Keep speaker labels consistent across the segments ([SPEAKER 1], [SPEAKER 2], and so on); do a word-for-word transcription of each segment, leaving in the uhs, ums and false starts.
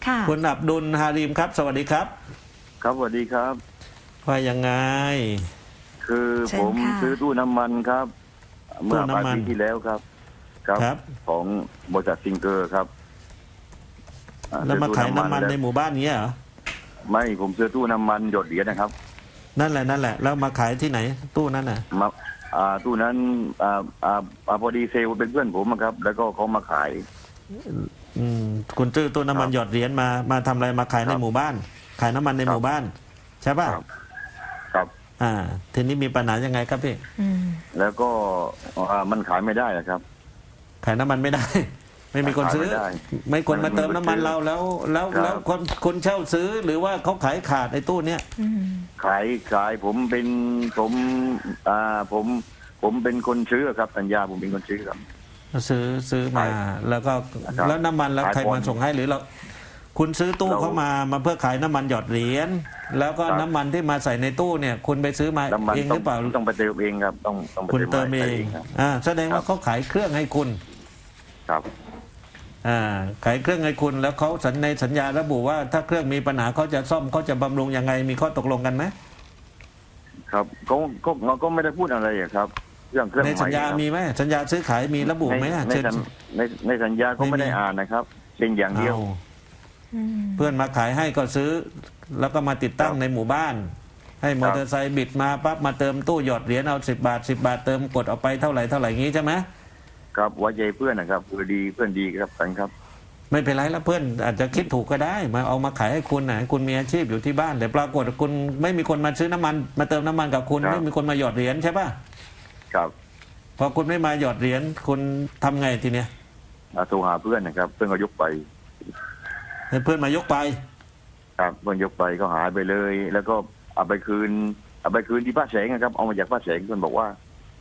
[SPEAKER 1] ค่ะ
[SPEAKER 2] คุณอับดุลฮาริมครับสวัสดีครับ
[SPEAKER 3] ครับสวัสดีครับ
[SPEAKER 2] ว่ายังไง
[SPEAKER 3] คือผมซื้อตู้น้ำมันครับเมื่อปลายปีที่แล้วครับครับของบริษัทซิงเกอร์ครับ
[SPEAKER 2] แล้วมาขายน้ำมันในหมู่บ้านนี้เหรอ
[SPEAKER 3] ไม่ผมซื้อตู้น้ำมันหยดเหรียญนะครับ
[SPEAKER 2] นั่นแหละนั่นแหละแล้วมาขายที่ไหนตู้นั้นน่ะ
[SPEAKER 3] มาอ่าตู้นั้นอ่าอ่าพอดีเซลเป็นเพื่อนผมครับแล้วก็เขามาขาย
[SPEAKER 2] อืมคุณซื้อตู้น้ำมันหยดเหรียญมามาทำอะไรมาขายในหมู่บ้านขายน้ำมันในหมู่บ้านใช่ป่ะ
[SPEAKER 3] ครับ
[SPEAKER 2] อ่าทีนี้มีปัญหายังไงครับพี่
[SPEAKER 3] แล้วก็อ่ามันขายไม่ได้ครับ
[SPEAKER 2] ขายน้ำมันไม่ได้ไม่มีคนซื้อไม่คนมาเติมน้ำมันเราแล้วแล้วแล้วคนคนเช่าซื้อหรือว่าเขาขายขาดในตู้เนี้ย
[SPEAKER 3] ขายขายผมเป็นผมอ่าผมผมเป็นคนซื้อครับสัญญาผมเป็นคนซื้อครับ
[SPEAKER 2] ซื้อซื้อมาแล้วก็แล้วน้ำมันแล้วใครมาส่งให้หรือเราคุณซื้อตู้เข้ามามาเพื่อขายน้ำมันหยอดเหรียญแล้วก็น้ำมันที่มาใส่ในตู้เนี่ยคุณไปซื้อมาเองหรือเปล่า
[SPEAKER 3] ต้องไปเติมเองครับต้องต้อง
[SPEAKER 2] คุณเติมเองอ่าแสดงว่าเขาขายเครื่องให้คุณ
[SPEAKER 3] ครับ
[SPEAKER 2] อ่าขายเครื่องให้คุณแล้วเขาสัญในสัญญาระบุว่าถ้าเครื่องมีปัญหาเขาจะซ่อมเขาจะบำรุงยังไงมีข้อตกลงกันไหม
[SPEAKER 3] ครับเขาก็เราก็ไม่ได้พูดอะไรครับเรื่องเครื่อง
[SPEAKER 2] ในสัญญามีไหมสัญญาซื้อขายมีระบุไหม
[SPEAKER 3] ในในในสัญญาเขาไม่ได้อ่านนะครับเป็นอย่างเดียว
[SPEAKER 2] เพื่อนมาขายให้ก็ซื้อแล้วก็มาติดตั้งในหมู่บ้านให้มอเตอร์ไซค์บิดมาปั๊บมาเติมตู้หยอดเหรียญเอาสิบบาทสิบบาทเติมกดออกไปเท่าไหร่เท่าไหร่งี้ใช่ไหม
[SPEAKER 3] ครับไว้ใจเพื่อนนะครับคือดีเพื่อนดีครับกันครับ
[SPEAKER 2] ไม่เป็นไรแล้วเพื่อนอาจจะคิดถูกก็ได้มาเอามาขายให้คุณนะคุณมีอาชีพอยู่ที่บ้านแต่ปรากฏคุณไม่มีคนมาซื้อน้ำมันมาเติมน้ำมันกับคุณไม่มีคนมาหยอดเหรียญใช่ป่ะ
[SPEAKER 3] ครับ
[SPEAKER 2] พอคุณไม่มาหยอดเหรียญคุณทำไงทีเนี้ย
[SPEAKER 3] โทรหาเพื่อนนะครับเพื่อนก็ยกไป
[SPEAKER 2] ให้เพื่อนมายกไป
[SPEAKER 3] ครับเพื่อนยกไปก็หายไปเลยแล้วก็เอาไปคืนเอาไปคืนที่ป้าแสงนะครับเอามาจากป้าแสงเพื่อนบอกว่า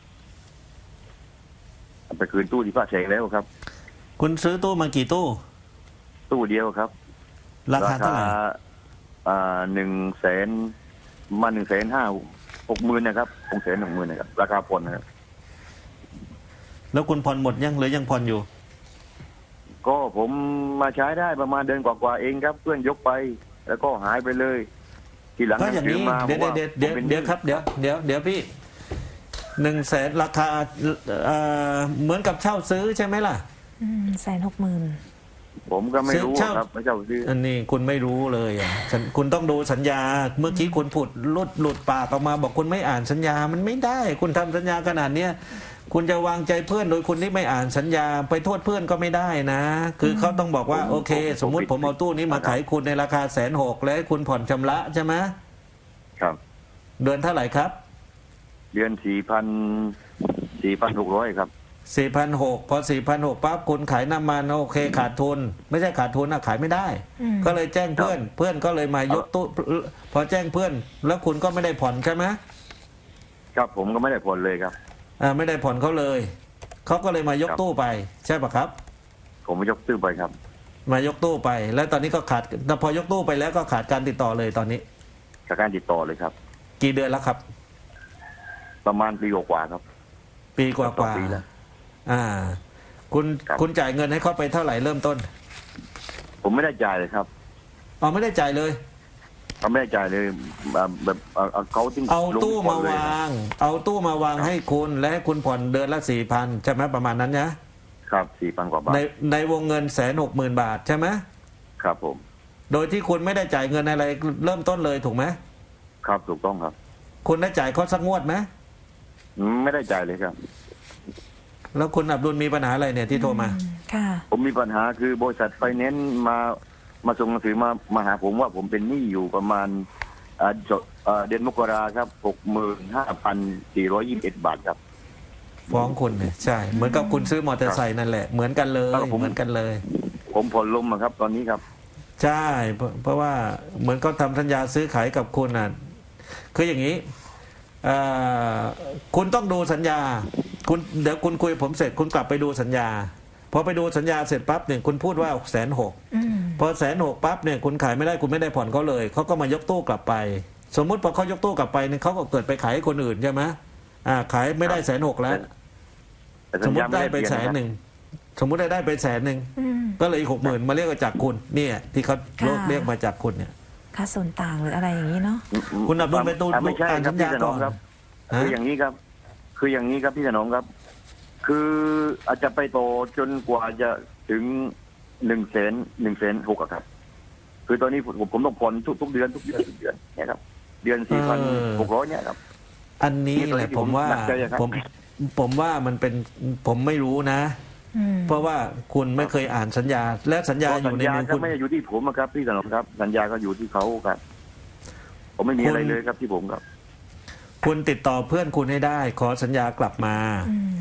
[SPEAKER 3] เอาไปคืนตู้ที่ป้าแสงแล้วครับ
[SPEAKER 2] คุณซื้อตู้มากี่ตู้
[SPEAKER 3] ตู้เดียวครับ
[SPEAKER 2] ราคาเท่าไหร่
[SPEAKER 3] อ่าหนึ่งแสนมาหนึ่งแสนห้าหกหมื่นนะครับหกแสนหนึ่งหมื่นนะครับราคาผ่อนนะครับ
[SPEAKER 2] แล้วคุณผ่อนหมดยังหรือยังผ่อนอยู่
[SPEAKER 3] ก็ผมมาใช้ได้ประมาณเดือนกว่าๆเองครับเพื่อนยกไปแล้วก็หายไปเลยทีหลัง
[SPEAKER 2] ก็อย่างนี้เดี๋ยวเดี๋ยวเดี๋ยวเดี๋ยวครับเดี๋ยวเดี๋ยวเดี๋ยวพี่หนึ่งแสนราคาเหมือนกับเช่าซื้อใช่ไหมล่ะ
[SPEAKER 1] แสนหกหมื่น
[SPEAKER 3] ผมก็ไม่รู้ครับไม่เช่าซื้อ
[SPEAKER 2] อันนี้คุณไม่รู้เลยอ่ะคุณต้องดูสัญญาเมื่อกี้คุณพูดหลุดหลุดปากออกมาบอกคุณไม่อ่านสัญญามันไม่ได้คุณทำสัญญาขนาดเนี้ยคุณจะวางใจเพื่อนโดยคุณที่ไม่อ่านสัญญาไปโทษเพื่อนก็ไม่ได้นะคือเขาต้องบอกว่าโอเคสมมุติผมเอาตู้นี้มาขายคุณในราคาแสนหกแล้วคุณผ่อนชำระใช่ไหม
[SPEAKER 3] ครับ
[SPEAKER 2] เดือนเท่าไหร่ครับ
[SPEAKER 3] เดือนสี่พันสี่พันหกร้อยครับ
[SPEAKER 2] สี่พันหกพอสี่พันหกปั๊บคุณขายน้ำมันโอเคขาดทุนไม่ใช่ขาดทุนนะขายไม่ได้ก็เลยแจ้งเพื่อนเพื่อนก็เลยมายกตู้พอแจ้งเพื่อนแล้วคุณก็ไม่ได้ผ่อนใช่ไหม
[SPEAKER 3] ครับผมก็ไม่ได้ผ่อนเลยครับ
[SPEAKER 2] อ่าไม่ได้ผ่อนเขาเลยเขาก็เลยมายกตู้ไปใช่ปะครับ
[SPEAKER 3] ผมมายกตู้ไปครับ
[SPEAKER 2] มายกตู้ไปแล้วตอนนี้ก็ขาดพอยกตู้ไปแล้วก็ขาดการติดต่อเลยตอนนี้
[SPEAKER 3] ขาดการติดต่อเลยครับ
[SPEAKER 2] กี่เดือนแล้วครับ
[SPEAKER 3] ประมาณปีกว่าครับ
[SPEAKER 2] ปีกว่ากว่าอ่าคุณคุณจ่ายเงินให้เขาไปเท่าไหร่เริ่มต้น
[SPEAKER 3] ผมไม่ได้จ่ายเลยครับ
[SPEAKER 2] อ๋อไม่ได้จ่ายเลย
[SPEAKER 3] เขาไม่ได้จ่ายเลยแบบเขาทิ้ง
[SPEAKER 2] เอาตู้มาวางเอาตู้มาวางให้คุณและให้คุณผ่อนเดือนละสี่พันใช่ไหมประมาณนั้นนะครับ
[SPEAKER 3] สี่พันกว่าบาท
[SPEAKER 2] ในในวงเงินแสนหกหมื่นบาทใช่ไหม
[SPEAKER 3] ครับผม
[SPEAKER 2] โดยที่คุณไม่ได้จ่ายเงินอะไรเริ่มต้นเลยถูกไหม
[SPEAKER 3] ครับถูกต้องครับ
[SPEAKER 2] คุณได้จ่ายเขาสักงวดไหม
[SPEAKER 3] ไม่ได้จ่ายเลยครับ
[SPEAKER 2] แล้วคุณอับดุลมีปัญหาอะไรเนี่ยที่โทรมา
[SPEAKER 1] ค่ะ
[SPEAKER 3] ผมมีปัญหาคือบริษัทไฟแนนซ์มามาส่งหนังสือมามาหาผมว่าผมเป็นหนี้อยู่ประมาณเดือนมกราครับหกหมื่นห้าพันสี่ร้อยยี่สิบเอ็ดบาทครับ
[SPEAKER 2] ฟ้องคุณเนี่ยใช่เหมือนกับคุณซื้อมอเตอร์ไซค์นั่นแหละเหมือนกันเลยเหมือนกันเลย
[SPEAKER 3] ผมผ่อนลมครับตอนนี้ครับ
[SPEAKER 2] ใช่เพราะว่าเหมือนเขาทำสัญญาซื้อขายกับคุณอ่ะคืออย่างนี้คุณต้องดูสัญญาคุณเดี๋ยวคุณคุยผมเสร็จคุณกลับไปดูสัญญาพอไปดูสัญญาเสร็จปั๊บเนี่ยคุณพูดว่าแสนหกพอแสนหกปั๊บเนี่ยคุณขายไม่ได้คุณไม่ได้ผ่อนเขาเลยเขาก็มายกตู้กลับไปสมมุติพอเขายกตู้กลับไปเนี่ยเขาก็เกิดไปขายให้คนอื่นใช่ไหมอ่าขายไม่ได้แสนหกแล้วสมมติได้ไปแสนหนึ่งสมมุติได้ได้ไปแสนหนึ่ง
[SPEAKER 1] อืม
[SPEAKER 2] ก็เลยอีกหกหมื่นมาเรียกว่าจากคุณเนี่ยที่เขา
[SPEAKER 1] ค่ะ
[SPEAKER 2] เรียกมาจากคุณเนี่ย
[SPEAKER 1] ค่าส่วนต่างหรืออะไรอย่างนี้เนาะ
[SPEAKER 2] คุณอับดุลไปตู
[SPEAKER 3] อ่ะไม่ใช่
[SPEAKER 2] อ่าน
[SPEAKER 3] ครั
[SPEAKER 2] สั
[SPEAKER 3] บ
[SPEAKER 2] ญ
[SPEAKER 3] พี่
[SPEAKER 2] ญา
[SPEAKER 3] ถน
[SPEAKER 2] ก่
[SPEAKER 3] อ
[SPEAKER 2] อง น
[SPEAKER 3] ครับ
[SPEAKER 2] ฮะ
[SPEAKER 3] คืออย่างนี้ครับ คืออย่างนี้ครับพี่ถนอมครับ คืออาจจะไปโตจนกว่าจะถึงหนึ่งแสนหนึ่งแสนหกครับ คือตอนนี้ผมผมต้องผ่อนทุกทุกเดือนทุกเดือนทุกเดือนเนี่ยครับ เดือนสี่พันหกร้อยเนี่ยครับ
[SPEAKER 2] อันนี้แหละ
[SPEAKER 3] นี่ตัวที่
[SPEAKER 2] ผมว่า
[SPEAKER 3] ผมหนักใจอะครับ
[SPEAKER 2] ผมผมว่ามันเป็นผมไม่รู้นะ
[SPEAKER 1] อืม
[SPEAKER 2] เพราะว่าคุณไม่เคยอ่านสัญญา และสัญญาอ
[SPEAKER 3] สั
[SPEAKER 2] ยู่
[SPEAKER 3] ญ
[SPEAKER 2] ใน
[SPEAKER 3] ญา
[SPEAKER 2] มือ
[SPEAKER 3] ก็
[SPEAKER 2] คุณ
[SPEAKER 3] ไม่ได้อยู่ที่ผมอะครับพี่ถนอมครับ สัญญาก็อยู่ที่เขาครับ ผมไม่มีอะไรเลยครับที่ผมครับ
[SPEAKER 2] คุณติดต่อเพื่อนคุณให้ได้ ขอสัญญากลับมา
[SPEAKER 1] อืม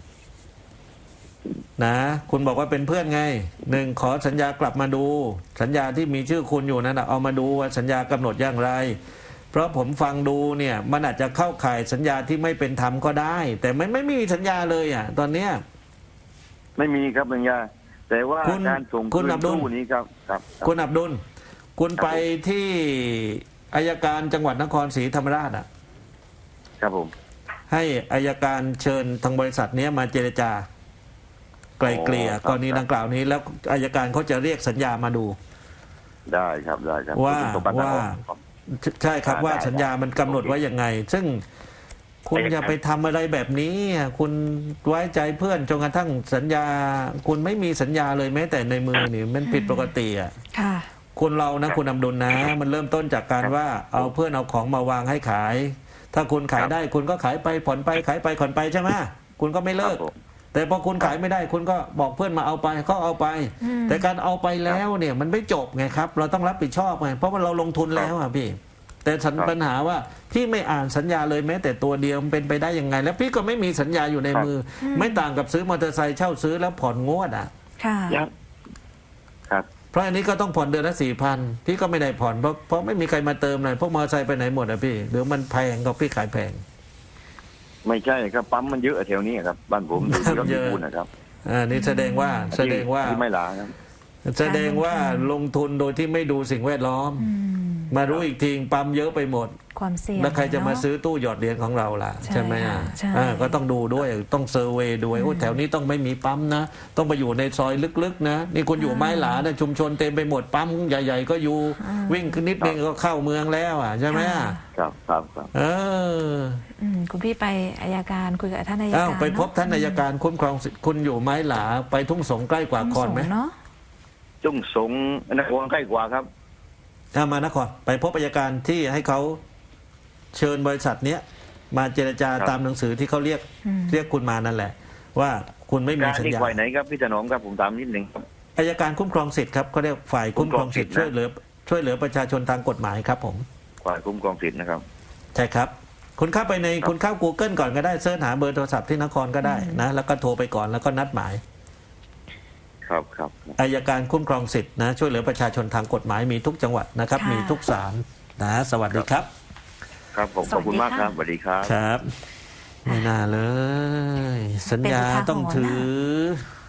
[SPEAKER 2] นะคุณบอกว่าเป็นเพื่อนไงหนึ่งขอสัญญากลับมาดู สัญญาที่มีชื่อคุณอยู่นั้นนะเอามาดูว่าสัญญากำหนดอย่างไร เพราะผมฟังดูเนี่ยมันอาจจะเข้าข่ายสัญญาที่ไม่เป็นธรรมก็ได้ แต่ไม่ไม่มีสัญญาเลยอ่ะตอนเนี้ย
[SPEAKER 3] ไม่มีครับสัญญา แต่ว่า
[SPEAKER 2] คุณ
[SPEAKER 3] การส่ง
[SPEAKER 2] คุณ
[SPEAKER 3] คืน
[SPEAKER 2] อับดุล
[SPEAKER 3] ตู้นี้ครับครับครับ
[SPEAKER 2] คุณอับดุลคุณ
[SPEAKER 3] ครับ
[SPEAKER 2] ไปที่อายการจังหวัดนครศรีธรรมราชอ่ะ
[SPEAKER 3] ครับผม
[SPEAKER 2] ให้อายการเชิญทางบริษัทเนี้ยมาเจรจา ไกลเกลี่ย
[SPEAKER 3] อ๋อครับ
[SPEAKER 2] กรณีดังกล่าวนี้ แล้วอายการเขาจะเรียกสัญญามาดู
[SPEAKER 3] ได้ครับได้ครับ
[SPEAKER 2] ว่า
[SPEAKER 3] คุณสมบัติ
[SPEAKER 2] ว่า
[SPEAKER 3] ครับ
[SPEAKER 2] ใช่ครับ
[SPEAKER 3] ได้
[SPEAKER 2] ว่า
[SPEAKER 3] ได้
[SPEAKER 2] สัญญามันกำหนดไว้ยังไง ซึ่งคุณ
[SPEAKER 3] ได้ครับ
[SPEAKER 2] อย่าไปทำอะไรแบบนี้อ่ะคุณไว้ใจเพื่อนจนกระทั่งสัญญา คุณไม่มีสัญญาเลยแม้แต่ในมือนี่มันผิดปกติอ่ะ
[SPEAKER 1] ค่ะ
[SPEAKER 2] คุณเรานะคุณอำดุลนะ มันเริ่มต้นจากการว่าเอาเพื่อนเอาของมาวางให้ขาย ถ้าคุณขายได้คุณก็ขายไปผ่อนไปขายไปผ่อนไปใช่ไหมคุณก็ไม่เลิก
[SPEAKER 3] ครับผม
[SPEAKER 2] แต่พอคุณขายไม่ได้คุณก็บอกเพื่อนมาเอาไปก็เอาไป
[SPEAKER 1] อืม
[SPEAKER 2] แต่การเอาไปแล้วเนี่ยมันไม่จบไงครับ เราต้องรับผิดชอบไงเพราะว่าเราลงทุนแล้วอ่ะพี่ แต่สัญ
[SPEAKER 3] ครับ
[SPEAKER 2] ปัญหาว่าพี่ไม่อ่านสัญญาเลยแม้แต่ตัวเดียวมันเป็นไปได้ยังไง แล้วพี่ก็ไม่มีสัญญาอยู่ใน
[SPEAKER 3] ครับ
[SPEAKER 2] มือ ไม่ต่างกับซื้อมอเตอร์ไซค์เช่าซื้อแล้วผ่อนงวดอ่ะ
[SPEAKER 1] ค่ะ
[SPEAKER 3] ยังครับ
[SPEAKER 2] เพราะอันนี้ก็ต้องผ่อนเดือนละสี่พันพี่ก็ไม่ได้ผ่อนเพราะเพราะไม่มีใครมาเติมเลยพวกมอเตอร์ไซค์ไปไหนหมดอ่ะพี่หรือมันแพงก็พี่ขายแพง
[SPEAKER 3] ไม่ใช่ครับปั๊มมันเยอะแถวนี้ครับ บ้านผมอยู่ที่รถ
[SPEAKER 2] เยอะ
[SPEAKER 3] พูนนะครับ
[SPEAKER 2] อ่านี่แสดงว่าแสดงว่า
[SPEAKER 3] ที่ไม่หลาครับ
[SPEAKER 2] แสดงว่าลงทุนโดยที่ไม่ดูสิ่งแวดล้อม
[SPEAKER 1] อืม
[SPEAKER 2] มารู้อีกทีปั๊มเยอะไปหมด
[SPEAKER 1] ความเสี่ยง
[SPEAKER 2] แล้วใครจะมา
[SPEAKER 1] เน
[SPEAKER 2] ซื้อตู้หยอดเหรียญของเราล่ะ
[SPEAKER 1] ใช่
[SPEAKER 2] ใช่ไหมอ่ะ
[SPEAKER 1] ค่ะใช่
[SPEAKER 2] อ่าก็ต้องดูด้วยต้องเซอร์เวย์ด้วยโอ้แถวนี้ต้องไม่มีปั๊มนะ ต้องไปอยู่ในซอยลึกๆนะนี่คุณอยู่ไม้หลานะชุมชนเต็มไปหมดปั๊มใหญ่ ๆ ก็อยู่วิ่งขึ้นนิดนึงก็เข้าเมืองแล้วอ่ะใช่ไหมอ่ะ
[SPEAKER 3] ครับครับครับ
[SPEAKER 2] เออ
[SPEAKER 1] อืมคุณพี่ไปอายการคุยกับท่านอายการ
[SPEAKER 2] อ้าวไปพบ
[SPEAKER 1] เอะ
[SPEAKER 2] ท่านอัยการคุ้มครองสิทธิ์คุณอยู่ไม้หลาไปทุ่งสงใกล้กว่า
[SPEAKER 1] ต้อง
[SPEAKER 2] คอนไหม
[SPEAKER 1] ส่งเนาะ
[SPEAKER 3] จุ้งสงนครใกล้กว่าครับ
[SPEAKER 2] อ่ามานครไปพบอัยการที่ให้เขาเชิญบริษัทเนี้ยมาเจรจา
[SPEAKER 3] ครับ
[SPEAKER 2] ตามหนังสือที่เขาเรียก
[SPEAKER 1] อืม
[SPEAKER 2] เรียกคุณมานั่นแหละ ว่าคุณไม่มี
[SPEAKER 3] การ
[SPEAKER 2] สัญ
[SPEAKER 3] ที่
[SPEAKER 2] ญา
[SPEAKER 3] ฝ่ายไหนครับพี่ถนอมครับผมตามนิดหนึ่งครับ
[SPEAKER 2] อัยการคุ้มครองสิทธิ์ครับเขาเรียกฝ่ายคุ้มครองสิทธิ์
[SPEAKER 3] คุ้
[SPEAKER 2] ช่ว
[SPEAKER 3] ม
[SPEAKER 2] ย
[SPEAKER 3] ครองสิทธิ์นะ
[SPEAKER 2] เหลือช่วยเหลือประชาชนทางกฎหมายครับผม
[SPEAKER 3] ฝ่ายคุ้มครองสิทธิ์นะครับ
[SPEAKER 2] ใช่ครับ คุณเข้าไปใน
[SPEAKER 3] ครับ
[SPEAKER 2] คุณเข้า Google ก่อนก็ได้เสิร์ชหาเบอร์โทรศัพท์ที่นครก็ได้นะแล้วก็โทรไปก่อนแล้วก็นัดหมาย
[SPEAKER 3] ครับครับ
[SPEAKER 2] อัยการคุ้มครองสิทธิ์นะช่วยเหลือประชาชนทางกฎหมายมีทุกจังหวัดนะครับ
[SPEAKER 1] ค่ะ
[SPEAKER 2] มีทุกศาลนะสวัสดีครับ
[SPEAKER 3] ครับผมขอบคุณมากครับสวัสดีครับ
[SPEAKER 2] ครับ ไม่น่าเลย สัญญา
[SPEAKER 1] เป็นอุทาหรณ์
[SPEAKER 2] ต้องถือ
[SPEAKER 1] นะ